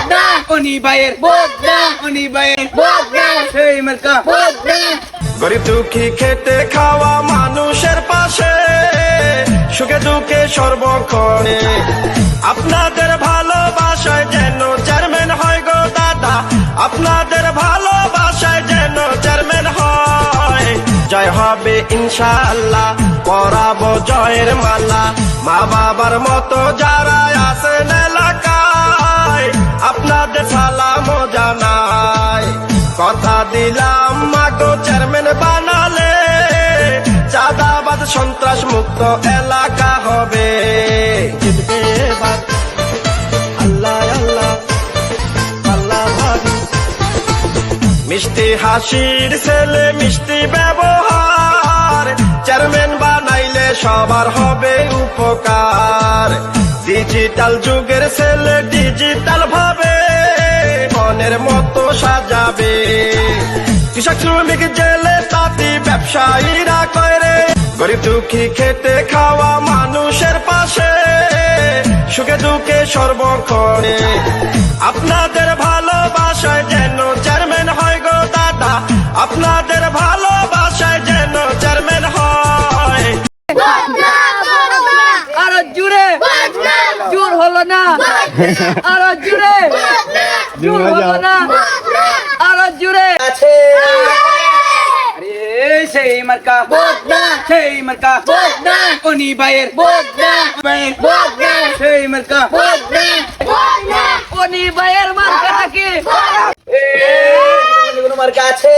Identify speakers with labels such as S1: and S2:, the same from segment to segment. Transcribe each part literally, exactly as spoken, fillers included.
S1: উনি ভাইয়ের উনি ভাইয়ের সেই মার্কা।
S2: গরিব দুঃখী খেটে খাওয়া মানুষের পাশে সুখে দুঃখে সর্বক্ষণে আপনাদের ভালোবাসায় যেন চেয়ারম্যান হয় গো দাদা, আপনাদের ভালোবাসায় যেন চেয়ারম্যান হয়। জয় হবে ইনশাআল্লাহ, পরাবো জয়ের মালা। মা বাবার মতো যারা আছেন এলাকায় আপনাদের সালাম জানাই। কথা দিলাম মাগো চেয়ারম্যান বানালে চাঁদাবাদ সন্ত্রাস মুক্ত এলাকা হবে। জিতবে এবার আল্লাহ আল্লাহ আল্লাহ ভাবি। মিষ্টি হাসির ছেলে মিষ্টি ব্যবহার চেয়ারম্যান বানাইলে সবার হবে উপকার। ডিজিটাল যুগের ছেলে ডিজিটাল ভাবে মনের মতো সাজাবে। কৃষক শ্রমিক জেলে তাঁতি ব্যবসায়ীরা করে গরিব দুঃখী খেটে খাওয়া মানুষের পাশে সুখে দুঃখে সর্বক্ষণে আপনাদের ভালোবাসায় যেন চেয়ারম্যান হয় গো দাদা, আপনাদের ভালোবাসায় যেন চেয়ারম্যান হয়।
S1: আরো জুড়ে জোর হলো না, আরো জুড়ে জোর হলো না, আরো জুড়ে আছে সেই মার্কা সেই মার্কা উনি ভাইয়ের সেই মার্কা উনি ভাইয়ের মার্কা নাকি মার্কা আছে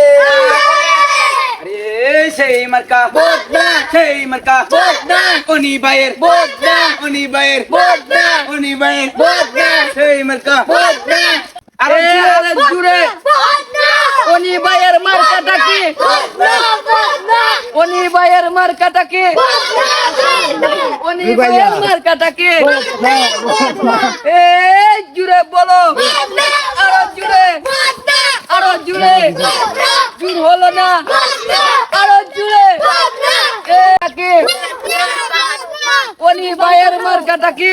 S1: সেই মার্কা সেই মার্কা উনি ভাইয়ের উনি ভাইয়ের উনি ভাইয়ের সেই মার্কা। আরে আরে জুড়ে উনি ভাইয়ের মার্কাটা কি উনি ভাইয়ের মার্কাটা কি উনি ভাইয়ের মার্কাটা কি এই জুড়ে বলো আরো জুড়ে আরো জুড়ে জুর হলো না, আরো জুড়ে উনি ভাইয়ের মার্কাটা কি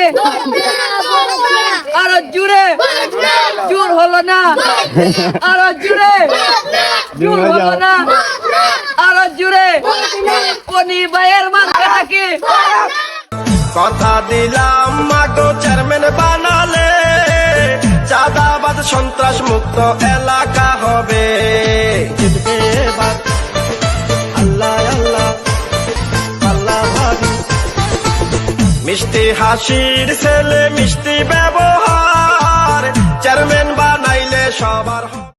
S1: আরো জুড়ে জোর হলো না, আরো জুড়ে জোর হলো না, আরো জুড়ে উনি ভাইয়ের মার্কাটা কি।
S2: কথা দিলাম মাগো চেয়ারম্যান বানালে চাঁদাবাদ সন্ত্রাস মুক্ত এলাকা হবে। জিতবে এবার আল্লাহ আল্লাহ আল্লাহ ভাবি। মিষ্টি হাসির ছেলে মিষ্টি ব্যবহার চেয়ারম্যান বানাইলে সবার